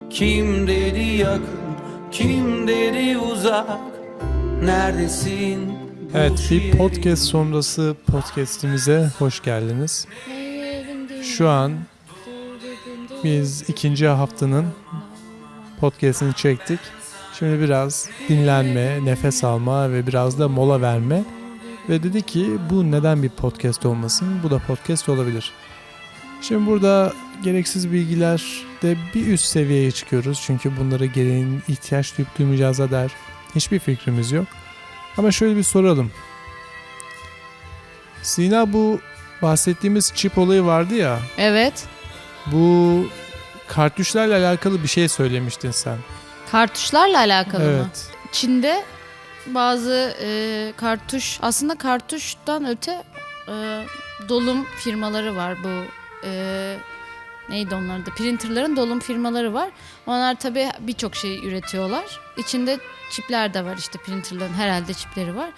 Kim dedi yakın, kim dedi uzak, neredesin? Evet, bir podcast sonrası podcast'imize hoş geldiniz. Şu an biz ikinci haftanın podcast'ini çektik. Şimdi biraz dinlenme, nefes alma ve biraz da mola verme. Ve dedi ki bu neden bir podcast olmasın? Bu da podcast olabilir. Şimdi burada gereksiz bilgilerde bir üst seviyeye çıkıyoruz. Çünkü bunlara gereğin ihtiyaç duyup duymayacağıza dair hiçbir fikrimiz yok. Ama şöyle bir soralım. Sina, bu bahsettiğimiz çip olayı vardı ya. Evet. Bu kartuşlarla alakalı bir şey söylemiştin sen. Kartuşlarla alakalı mı? Evet. Çin'de bazı kartuş, aslında kartuştan öte dolum firmaları var. Bu neydi onlar da? Printerların dolum firmaları var. Onlar tabii birçok şey üretiyorlar. İçinde çipler de var, işte printerların herhalde çipleri var.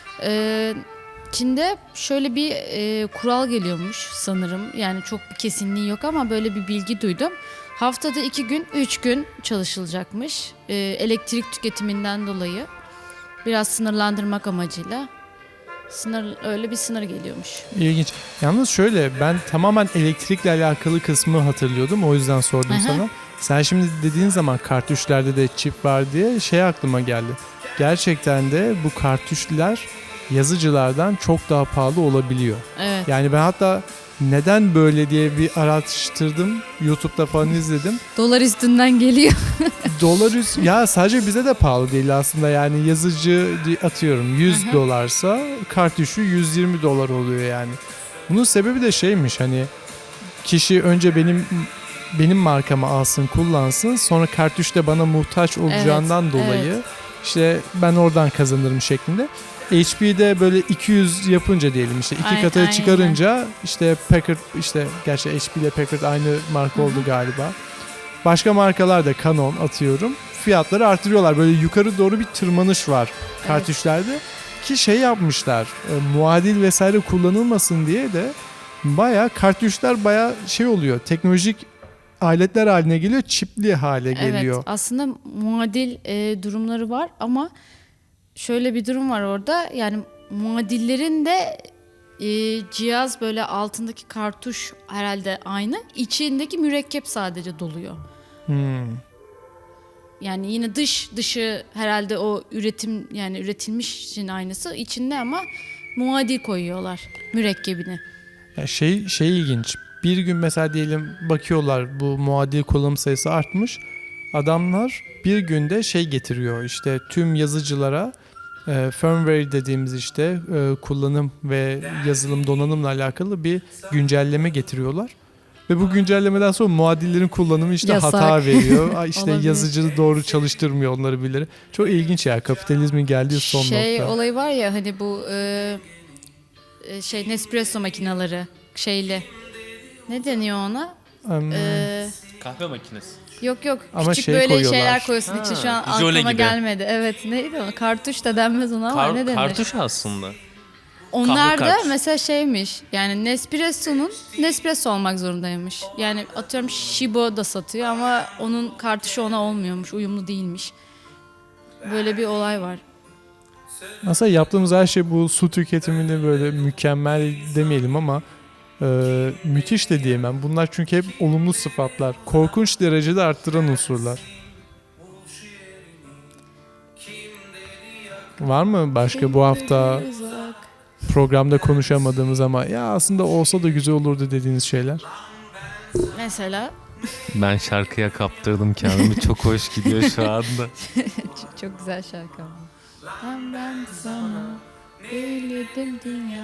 Çin'de şöyle bir kural geliyormuş sanırım. Yani çok bir kesinliği yok ama böyle bir bilgi duydum. Haftada 2 gün, 3 gün çalışılacakmış. Elektrik tüketiminden dolayı. Biraz sınırlandırmak amacıyla. Öyle bir sınır geliyormuş. İlginç. Yalnız şöyle, ben tamamen elektrikle alakalı kısmı hatırlıyordum. O yüzden sordum sana. Sen şimdi dediğin zaman kartuşlarda da çip var diye şey aklıma geldi. Gerçekten de bu kartuşlar yazıcılardan çok daha pahalı olabiliyor. Evet. Yani ben hatta neden böyle diye bir araştırdım. YouTube'da falan izledim. Dolar üstünden geliyor. Ya sadece bize de pahalı değil aslında. Yani yazıcı atıyorum 100 dolarsa kartuşu 120 dolar oluyor yani. Bunun sebebi de şeymiş, hani kişi önce benim markamı alsın, kullansın, sonra kartuş da bana muhtaç olacağından dolayı işte ben oradan kazanırım şeklinde. HP'de böyle 200 yapınca diyelim, işte iki katına çıkarınca işte Packard, işte gerçi HP ile Packard aynı marka oldu galiba. Başka markalar da, Canon atıyorum, fiyatları artırıyorlar. Böyle yukarı doğru bir tırmanış var kartuşlarda. Ki şey yapmışlar, muadil vesaire kullanılmasın diye de bayağı kartuşlar bayağı şey oluyor, teknolojik aletler haline geliyor, çipli hale geliyor. Evet, aslında muadil durumları var ama şöyle bir durum var orada. Yani muadillerin de cihaz böyle altındaki kartuş herhalde aynı. İçindeki mürekkep sadece doluyor. Yani yine dışı herhalde o üretilmiş için aynısı içinde ama muadil koyuyorlar mürekkebini. Ya şey ilginç. Bir gün mesela diyelim bakıyorlar, bu muadil kullanım sayısı artmış. Adamlar bir günde şey getiriyor, işte tüm yazıcılara firmware dediğimiz işte kullanım ve yazılım donanımla alakalı bir güncelleme getiriyorlar. Ve bu güncellemeden sonra muadillerin kullanımı işte Yasak. hata veriyor. İşte Olabilir. yazıcı doğru çalıştırmıyor onları birileri. Çok ilginç ya, kapitalizmin geldiği son nokta. Olayı var ya, hani bu Nespresso makineleri şeyli. Ne deniyor ona? Kahve makinesi. Yok Ama küçük şey böyle koyuyorlar. şeyler koyuyorsun içine, şu an jöle aklıma gibi. gelmedi. Evet, neydi o? Kartuş da denmez ona ama ne denir? Kartuş aslında. Onlar kahve da kartuş. mesela şeymiş, yani Nespresso olmak zorundaymış. Yani atıyorum Shibo da satıyor ama onun kartuşu ona olmuyormuş, uyumlu değilmiş. Böyle bir olay var. Aslında yaptığımız her şey bu su tüketimini böyle mükemmel demeyelim ama müthiş de diyemem. Bunlar çünkü hep olumlu sıfatlar. Korkunç derecede arttıran unsurlar. Var mı başka bu hafta programda konuşamadığımız ama ya aslında olsa da güzel olurdu dediğiniz şeyler? Mesela Ben şarkıya kaptırdım kendimi. Çok hoş gidiyor şu anda. çok güzel şarkı ama. Ben sana bildim dünya.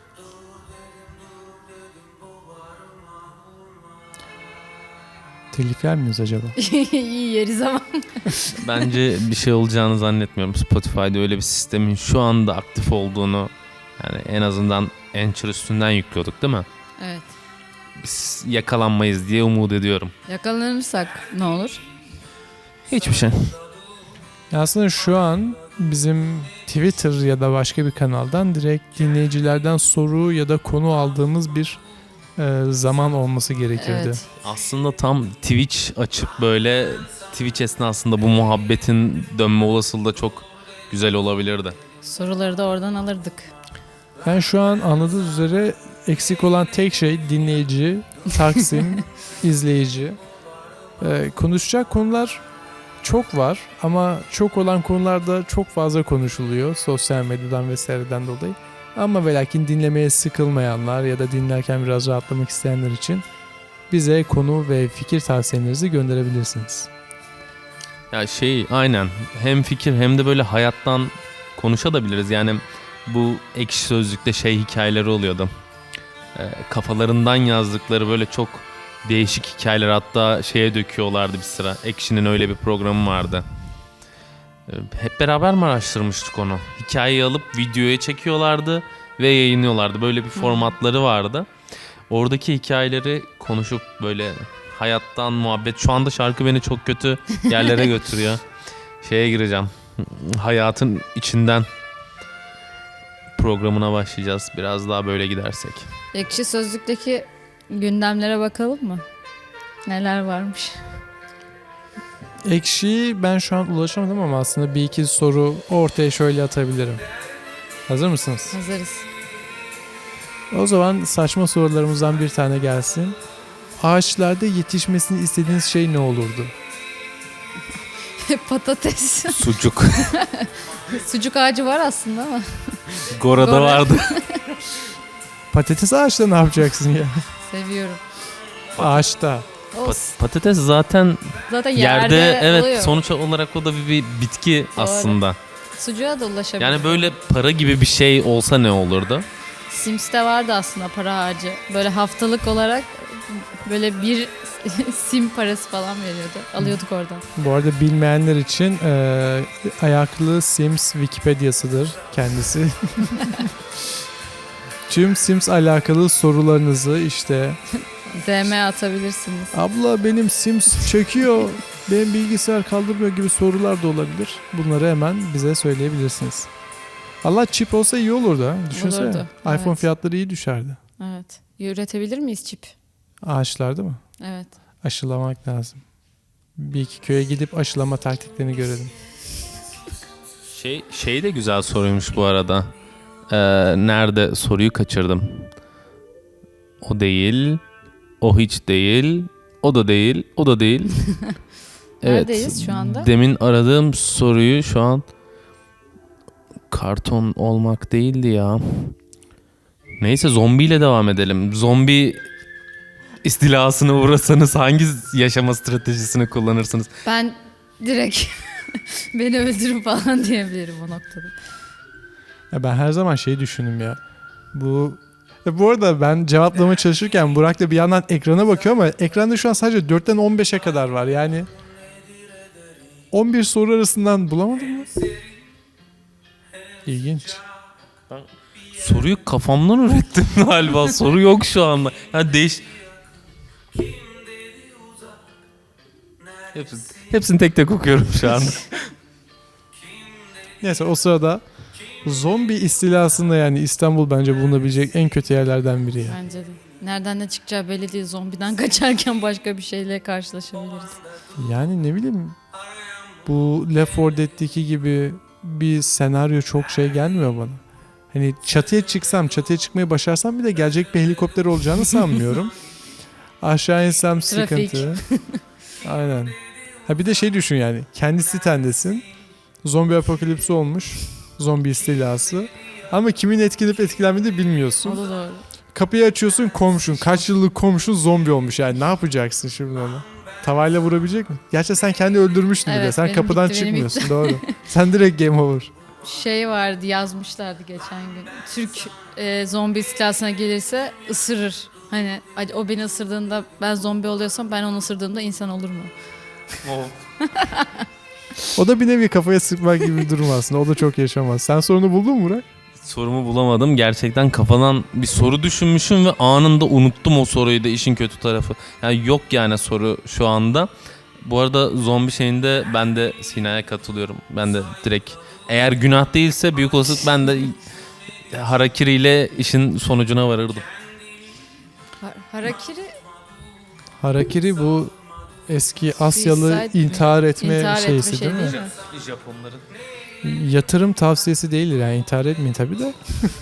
Telif yer miyiz acaba? İyi yeriz ama. Bence bir şey olacağını zannetmiyorum. Spotify'da öyle bir sistemin şu anda aktif olduğunu, yani en azından Anchor üstünden yüklüyorduk değil mi? Evet. Biz yakalanmayız diye umut ediyorum. Yakalanırsak ne olur? Hiçbir şey. Aslında şu an bizim Twitter ya da başka bir kanaldan direkt dinleyicilerden soru ya da konu aldığımız bir zaman olması gerekirdi. Evet. Aslında tam Twitch açıp böyle Twitch esnasında bu muhabbetin dönme olasılığı da çok güzel olabilirdi. Soruları da oradan alırdık. Ben şu an anladığınız üzere eksik olan tek şey dinleyici, Taksim, izleyici. Konuşacak konular çok var ama çok olan konularda çok fazla konuşuluyor sosyal medyadan vesaireden dolayı. Ama ve lakin dinlemeye sıkılmayanlar ya da dinlerken biraz rahatlamak isteyenler için bize konu ve fikir tavsiyelerinizi gönderebilirsiniz. Ya aynen hem fikir hem de böyle hayattan konuşabiliriz. Yani bu Ekşi Sözlük'te hikayeleri oluyordu. Kafalarından yazdıkları böyle çok değişik hikayeler, hatta döküyorlardı bir sıra. Ekşi'nin öyle bir programı vardı. Hep beraber mi araştırmıştık onu? Hikayeyi alıp videoya çekiyorlardı ve yayınlıyorlardı. Böyle bir formatları vardı. Oradaki hikayeleri konuşup böyle hayattan muhabbet. Şu anda şarkı beni çok kötü yerlere götürüyor. Gireceğim. Hayatın içinden programına başlayacağız. Biraz daha böyle gidersek. Ekşi Sözlük'teki gündemlere bakalım mı? Neler varmış? Ekşi'yi ben şu an ulaşamadım ama aslında bir iki soru ortaya şöyle atabilirim. Hazır mısınız? Hazırız. O zaman saçma sorularımızdan bir tane gelsin. Ağaçlarda yetişmesini istediğiniz şey ne olurdu? Patates. Sucuk. Sucuk ağacı var aslında ama. Gora'da Gora. vardı. Patates ağaçta ne yapacaksın ya? Seviyorum. Ağaçta. Olsun. Patates zaten Zaten yerde yerde oluyor. sonuç olarak o da bir bitki aslında. Sucuğa da ulaşabilir. Yani böyle para gibi bir şey olsa ne olurdu? Sims'te vardı aslında para ağacı. Böyle haftalık olarak böyle bir sim parası falan veriyordu. Alıyorduk oradan. Bu arada bilmeyenler için ayaklı Sims Wikipedia'sıdır kendisi. Tüm Sims alakalı sorularınızı işte DM atabilirsiniz. abla benim Sims çöküyor, benim bilgisayar kaldırmıyor gibi sorular da olabilir. Bunları hemen bize söyleyebilirsiniz. Allah çip olsa iyi olurdu ha. Düşünsene. Olurdu, iPhone evet. fiyatları iyi düşerdi. Evet. Üretebilir miyiz çip? Ağaçlarda mı? Evet. Aşılamak lazım. Bir iki köye gidip aşılama taktiklerini görelim. Şey de güzel soruymuş bu arada. Nerede soruyu kaçırdım. O değil. O hiç değil. O da değil. O da değil. Neredeyiz şu anda? Demin aradığım soruyu şu an karton olmak değildi ya. Neyse zombiyle devam edelim. Zombi istilasına uğrasanız hangi yaşama stratejisini kullanırsınız? Ben direkt beni öldürün falan diyebilirim o noktada. Ya ben her zaman düşündüm ya. Bu arada ben cevaplamaya çalışırken Burak da bir yandan ekrana bakıyor ama ekranda şu an sadece 4'ten 15'e kadar var. Yani 11 soru arasından bulamadın mı? İlginç. Soruyu kafamdan ürettim galiba. Soru yok şu anda. Ya Hepsini tek tek okuyorum şu anda. Neyse o sırada zombi istilasında yani İstanbul bence bulunabilecek en kötü yerlerden biri ya. Bence de. Nereden ne çıkacağı belli değil. Zombiden kaçarken başka bir şeyle karşılaşabiliriz. Yani ne bileyim bu Left 4 Dead'deki gibi bir senaryo çok gelmiyor bana. Hani çatıya çıkmayı başarsam bile gelecek bir helikopter olacağını sanmıyorum. Aşağı insem Trafik. sıkıntı. Aynen. Ha bir de düşün yani. Kendi sitendesin. Zombi apokalipsi olmuş. Zombi istilası. Ama kimin etkilenip etkilenmediğini bilmiyorsun. O da doğru. Kapıyı açıyorsun komşun. Kaç yıllık komşun zombi olmuş. Yani ne yapacaksın şimdi ona? Tavayla vurabilecek mi? Gerçi sen kendi öldürmüştün bile. Evet, Sen benim kapıdan bitti, benim çıkmıyorsun. Doğru. Sen direkt game over. Vardı yazmışlardı geçen gün. Türk zombi istilasına gelirse ısırır. Hani o beni ısırdığında ben zombi oluyorsam ben onu ısırdığımda insan olur mu? O da bir nevi kafaya sıkmak gibi bir durum aslında. O da çok yaşamaz. Sen sorunu buldun mu Burak? Sorumu bulamadım. Gerçekten kafadan bir soru düşünmüşüm ve anında unuttum o soruyu da, işin kötü tarafı. Yani yok yani soru şu anda. Bu arada zombi şeyinde ben de Sina'ya katılıyorum. Ben de direkt eğer günah değilse büyük olasılık ben de harakiri ile işin sonucuna varırdım. Harakiri bu eski Asyalı Suicide mi? intihar etme İntihar etme şeysi şey değil mi? değil mi? Japonların. Yatırım tavsiyesi değildir yani, intihar etmeyin tabii de.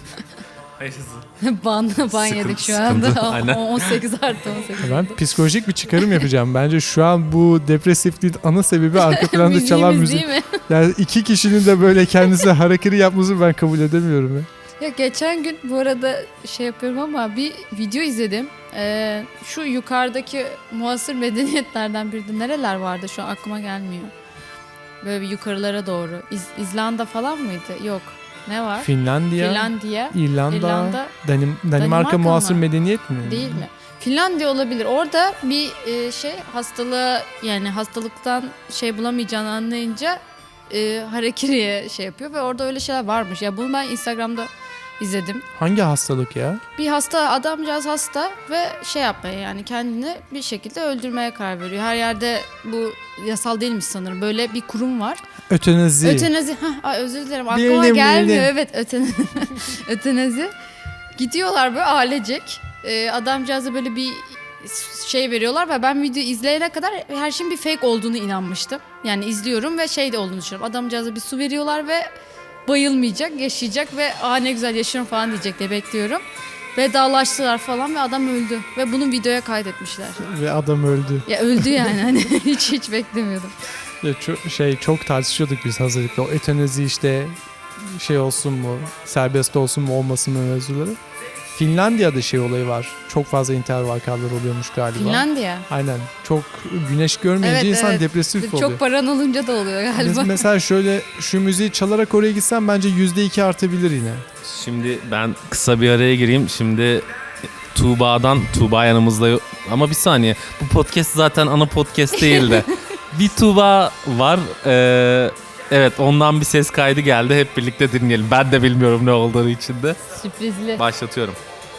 ban yedik şu anda. sıkıntı. Aynen. 18 artı 18. Ben psikolojik bir çıkarım yapacağım. Bence şu an bu depresifliğin ana sebebi arka planda çalan Müziğimiz müzik. değil mi? Yani iki kişinin de böyle kendisi harakiri yapmasını ben kabul edemiyorum ya. Ya geçen gün bu arada şey yapıyorum ama bir video izledim. Şu yukarıdaki muasır medeniyetlerden birinde nereler vardı şu an aklıma gelmiyor. Böyle bir yukarılara doğru. İzlanda falan mıydı? Yok. Ne var? Finlandiya, Finlandiya. İrlanda, İrlanda, Danimarka Danimarka muasır mı? medeniyet mi? Değil mi? Finlandiya olabilir. Orada bir şey hastalığı, yani hastalıktan şey bulamayacağını anlayınca harakiriye şey yapıyor ve orada öyle şeyler varmış. Ya bunu ben Instagram'da izledim. Hangi hastalık ya? Bir hasta, adamcağız hasta ve şey yapmaya, yani kendini bir şekilde öldürmeye karar veriyor. Her yerde bu yasal değilmiş sanırım. Böyle bir kurum var. Ötenazi. Ötenazi. Ay özür dilerim. Aklıma Bildim, gelmiyor. bildim. Evet, ötenazi. Gidiyorlar böyle ailecek. Adamcağıza böyle bir şey veriyorlar ve ben video izleyene kadar her şeyin bir fake olduğunu inanmıştım. Yani izliyorum ve şey de olduğunu düşünüyorum. Adamcağıza bir su veriyorlar ve bayılmayacak, yaşayacak ve ne güzel yaşıyorum falan diyecek diye bekliyorum. Vedalaştılar falan ve adam öldü. Ve bunu videoya kaydetmişler. Ve adam öldü. Ya öldü yani, hani hiç beklemiyordum. Ya çok tartışıyorduk biz hazırlıkta. O ötenazi işte şey olsun mu, serbest olsun mu olmasın mı mevzuları. Finlandiya'da şey olayı var. Çok fazla intihar vakaları oluyormuş galiba. Finlandiya. Aynen. Çok güneş görmeyince Evet, insan evet. depresif oluyor. Çok paran olunca da oluyor galiba. Mesela şöyle şu müziği çalarak oraya gitsem bence %2 artabilir yine. Şimdi ben kısa bir araya gireyim. Şimdi Tuğba yanımızda yok. Ama bir saniye. Bu podcast zaten ana podcast değil de. Bir Tuğba var. Evet, ondan bir ses kaydı geldi. Hep birlikte dinleyelim. Ben de bilmiyorum ne olduğunu içinde. Sürprizli. Başlatıyorum.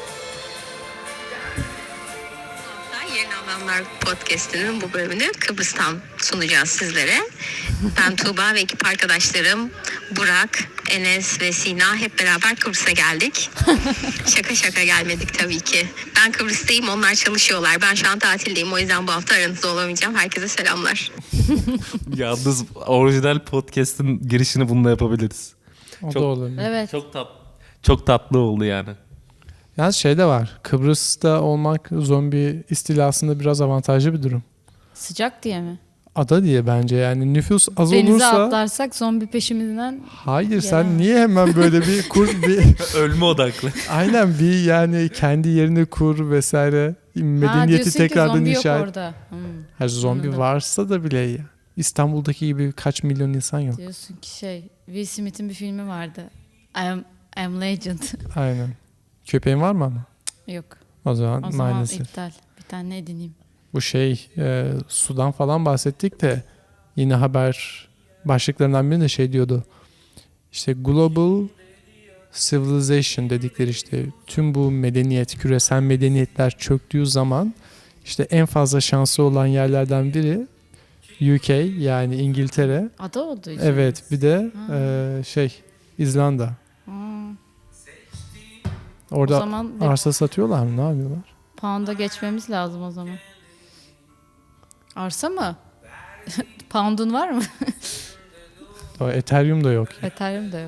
Yeni Alanlar Podcast'inin bu bölümünü Kıbrıs'tan sunacağız sizlere. Ben Tuğba ve ekip arkadaşlarım Burak, Enes ve Sina hep beraber Kıbrıs'a geldik. Şaka gelmedik tabii ki. Ben Kıbrıs'tayım, onlar çalışıyorlar. Ben şu an tatildeyim, o yüzden bu hafta aranızda olamayacağım. Herkese selamlar. Yalnız orijinal podcast'in girişini bununla yapabiliriz. O Çok- da olabilir. Evet. Çok tatlı oldu yani. Yalnız şey de var. Kıbrıs'ta olmak zombi istilasında biraz avantajlı bir durum. Sıcak diye mi? Ada diye bence yani nüfus az Denize olursa... atlarsak zombi peşimizden. Hayır sen Gelemez. niye hemen böyle bir Ölme odaklı. aynen bir yani kendi yerini kur vesaire medeniyeti diyorsun ki tekrardan zombi inşa yok et. orada. Her zombi Anladım. varsa da bile ya. İstanbul'daki gibi kaç milyon insan yok. Diyorsun ki Will Smith'in bir filmi vardı. I'm Legend. Aynen. Köpeğin var mı ama? Yok. O zaman O zaman maalesef. iptal. Bir tane edineyim. Bu sudan falan bahsettik de yine haber başlıklarından birinde şey diyordu. İşte Global Civilization dedikleri işte tüm bu medeniyet, küresel medeniyetler çöktüğü zaman işte en fazla şansı olan yerlerden biri UK yani İngiltere. Ada olduğu için. Evet bir de İzlanda. O Orada zaman arsa satıyorlar mı? Ne yapıyorlar? pound'a geçmemiz lazım o zaman. Arsa mı? Pound'un var mı? O Ethereum da yok. Ethereum da yok.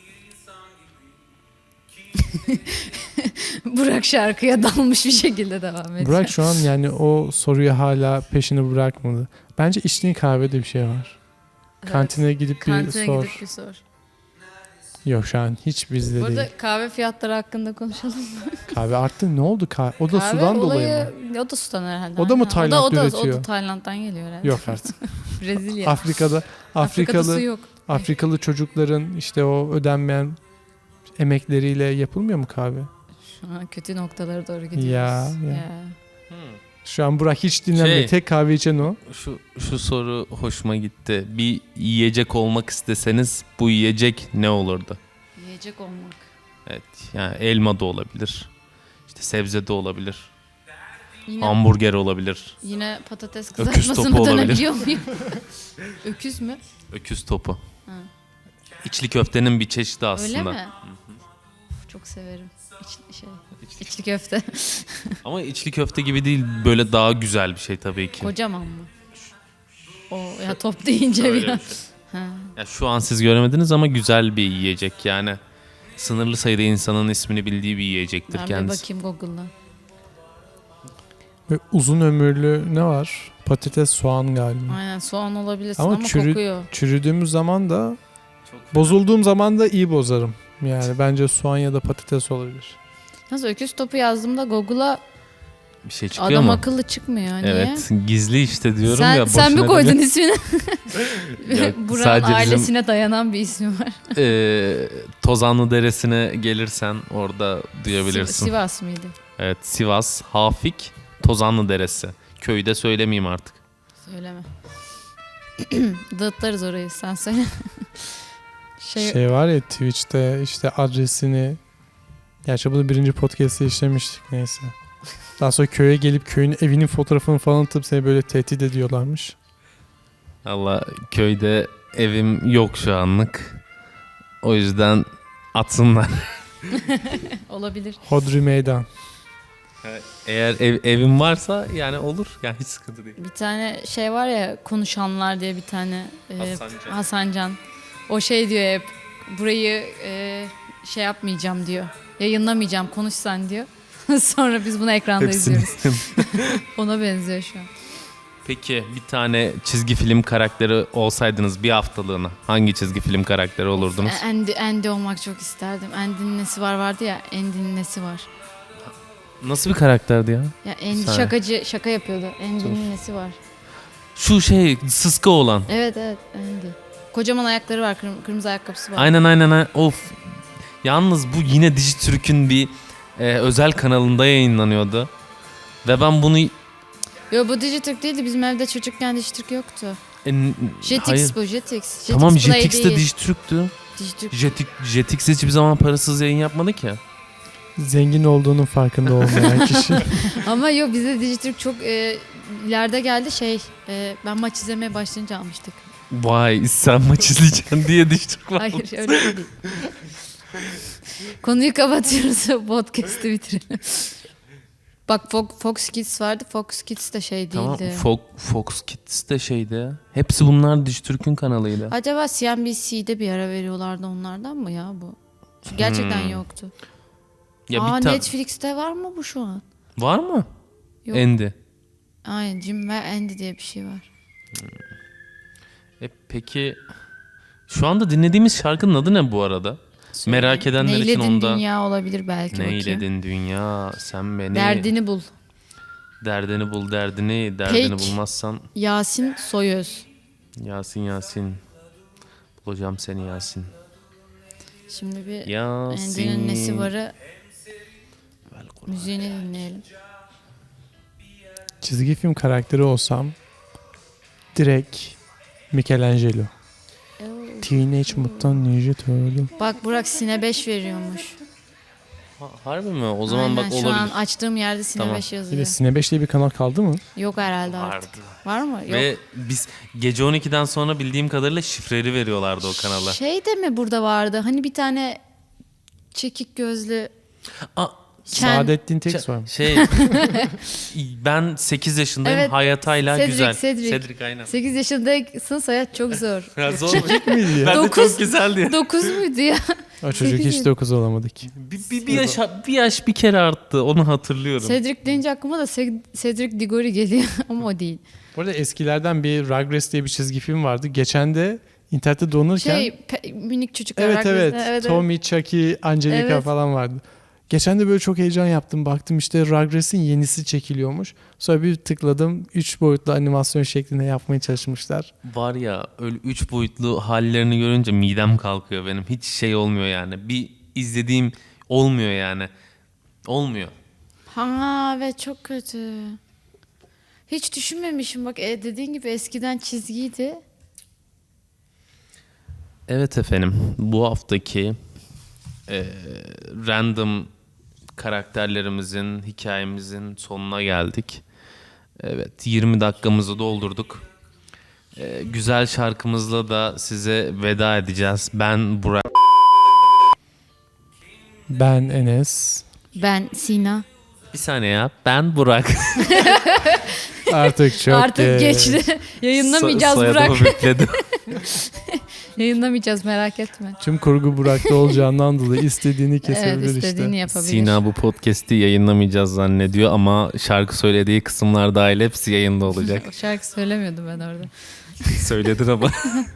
Burak şarkıya dalmış bir şekilde devam ediyor. Burak şu an yani o soruyu hala peşini bırakmadı. Bence içtiğin kahvede bir şey var. Evet. Kantine gidip Kantine bir sor. gidip bir sor. Yok şu an hiç bizde Burada değil. kahve fiyatları hakkında konuşalım mı? Kahve arttı. Ne oldu? O da Kahve sudan dolayı mı? O da sudan herhalde. O da mı aynen. Tayland'da o da üretiyor? Tayland'dan geliyor herhalde. Yok artık. Brezilya. Afrika'da Afrika'da su yok. Afrikalı çocukların işte o ödenmeyen emekleriyle yapılmıyor mu kahve? Şu an kötü noktalara doğru gidiyoruz. Ya. Şu an Burak hiç dinlenmiyor. Şey- Tek kahve içen o. Şu soru hoşuma gitti. Bir yiyecek olmak isteseniz bu yiyecek ne olurdu? Yiyecek olmak. Evet, yani elma da olabilir. İşte sebze de olabilir. Yine, Hamburger olabilir. yine patates Öküz kızartmasına topu olabilir. dönebiliyor muyum? Öküz mü? Öküz topu. Ha. İçli köftenin bir çeşidi aslında. Öyle mi? Çok severim. İçli köfte. Ama içli köfte gibi değil, böyle daha güzel bir şey tabii ki. Kocaman mı? O ya top deyince Öyle biraz. bir şey. Ya şu an siz göremediniz ama güzel bir yiyecek yani. Sınırlı sayıda insanın ismini bildiği bir yiyecektir Ben bir kendisi. bakayım Google'dan. Ve uzun ömürlü ne var? Patates, soğan galiba. Aynen soğan olabilirsin Ama ama kokuyor. çürüdüğümüz zaman da, bozulduğum zaman da iyi bozarım. Yani bence soğan ya da patates olabilir. Nasıl öküz topu yazdığımda Google'a Bir şey çıkıyor adam mu? akıllı çıkmıyor. Niye? Evet, gizli işte diyorum Sen, ya. sen mi boşuna koydun demiyorum. ismini? Yok, Buranın sadece bizim- ailesine dayanan bir ismi var. Tozanlı Deresi'ne gelirsen orada duyabilirsin. Sivas mıydı? Evet, Sivas, Hafik, Tozanlı Deresi. Köyü de söylemeyeyim artık. Söyleme. Dağıtlarız orayı sen söyle. Şey var ya, Twitch'te işte adresini, gerçi bunu birinci podcast'te işlemiştik, neyse. Daha sonra köye gelip köyün evinin fotoğrafını falan atıp seni böyle tehdit ediyorlarmış. Allah, köyde evim yok şu anlık. O yüzden atsınlar. Olabilir. Hodri meydan. Eğer evim varsa yani olur. Yani hiç sıkıntı değil. Bir tane şey var ya, konuşanlar diye bir tane Hasancan. Hasancan. O şey diyor hep, burayı şey yapmayacağım diyor. Yayınlamayacağım, konuş sen diyor. Sonra biz bunu ekranda izliyoruz. Ona benziyor şu an. Peki bir tane çizgi film karakteri olsaydınız bir haftalığına hangi çizgi film karakteri olurdunuz? Andy olmak çok isterdim. Andy'nin nesi var vardı ya, Andy'nin nesi var. Nasıl bir karakterdi ya? Ya Andy Sen- şakacı, şaka yapıyordu. Andy'nin nesi var. Şu şey sıska olan. Evet Andy. Kocaman ayakları var, kırmızı ayakkabısı var. Aynen. Of. Yalnız bu yine Dijitürk'ün bir özel kanalında yayınlanıyordu. Ve ben bunu Yo, bu Dijitürk değildi. Bizim evde çocukken Dijitürk yoktu. hayır. Jetix bu, Jetix. Tamam, Jetix Play Jetix de değil. Dijitürk'tü. Dijitürk. Jetix hiçbir zaman parasız yayın yapmadı ki. Zengin olduğunun farkında olmayan kişi. Ama yok, bize Dijitürk çok ileride geldi ben maç izlemeye başlayınca almıştık. Vay, sen maç izleyeceksin diye Dijitürk var. Hayır öyle değil. Konuyu kapatıyoruz. Podcast'ı bitirelim. Bak Fox Kids vardı. Fox Kids de şey Tamam, değildi. Fox Kids de şeydi. Hepsi bunlar Dijitürk'ün kanalıydı. Acaba CNBC'de bir ara veriyorlardı onlardan mı ya bu? Çünkü gerçekten yoktu. Ya Aa, bir tane Netflix'te var mı bu şu an? var mı? Yok. Andy. Aynen, Jim ve Andy diye bir şey var. Peki şu anda dinlediğimiz şarkının adı ne bu arada? Merak edenler için Neyledin onda. dünya olabilir belki. bakayım. Neyledin dünya sen beni. Derdini bul. Derdini bul derdini. Peki. Bulmazsan Yasin Soyöz. Yasin. Bulacağım seni Yasin. Şimdi bir Yasin. Andy'nin nesi varı müziğini dinleyelim. Çizgi film karakteri olsam direkt Michelangelo. Teenage Mutant Ninja Turtle. Bak Burak Sine 5 veriyormuş. Harbi mi? O zaman Aynen, bak şu olabilir. an açtığım yerde Sine Tamam. 5 Bir yazıyor. de Sine 5 diye bir kanal kaldı mı? Yok herhalde artık. Vardı. Var mı? Yok. Ve biz gece 12'den sonra bildiğim kadarıyla şifreli veriyorlardı o kanala. Şey de mi burada vardı? Hani bir tane çekik gözlü Aa, Saadettin Teks var mı? şey ben 8 yaşındayım. Evet, Hayatayla Cedric, güzel. Cedric. Aynen. 8 yaşındaysın, hayat çok zor. Ya zor. Miydi ya? Ben de Dokuz. çok güzeldi. 9 muydu ya? O çocuk hiç 9 olamadı ki. Bir yaş bir kere arttı. Onu hatırlıyorum. Cedric deyince aklıma da Cedric Diggory geliyor ama o değil. Bu arada eskilerden bir Rugrats diye bir çizgi film vardı. Geçen de internette dolanırken Minik çocuklar. evet Rugrats. evet Tommy, Chucky, Angelica Evet. falan vardı. Geçen de böyle çok heyecan yaptım. Baktım işte Rugrats'in yenisi çekiliyormuş. Sonra bir tıkladım. 3 boyutlu animasyon şeklinde yapmaya çalışmışlar. Var ya öyle 3 boyutlu hallerini görünce midem kalkıyor benim. Hiç şey olmuyor yani. Bir izlediğim olmuyor yani. Olmuyor. Ha ve çok kötü. Hiç düşünmemişim bak, dediğin gibi eskiden çizgiydi. Evet efendim. Bu haftaki random karakterlerimizin, hikayemizin sonuna geldik. Evet, 20 dakikamızı doldurduk. Güzel şarkımızla da size veda edeceğiz. Ben Burak. Ben Enes. Ben Sina. Bir saniye ya. Ben Burak. Artık çok Artık geçti. Yayınlamayacağız Soyadımı Burak. bükledim. Yayınlamayacağız, merak etme. Tüm kurgu Burak'ta olacağından dolayı istediğini Evet, kesebilir istediğini işte. yapabilir. Sina bu podcast'i yayınlamayacağız zannediyor ama şarkı söylediği kısımlar dahil hepsi yayında olacak. O şarkı söylemiyordum ben orada. Söyledin ama.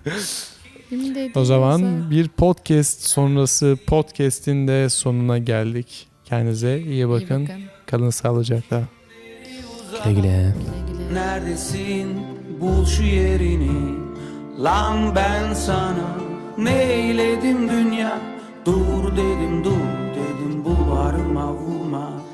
O zaman bir podcast sonrası podcast'in de sonuna geldik. Kendinize iyi bakın. Kalın sağlıcakla. Güle güle. Neredesin? Bul şu yerini. Lan ben sana neyledim dünya? Dur dedim bu bağrıma vurma.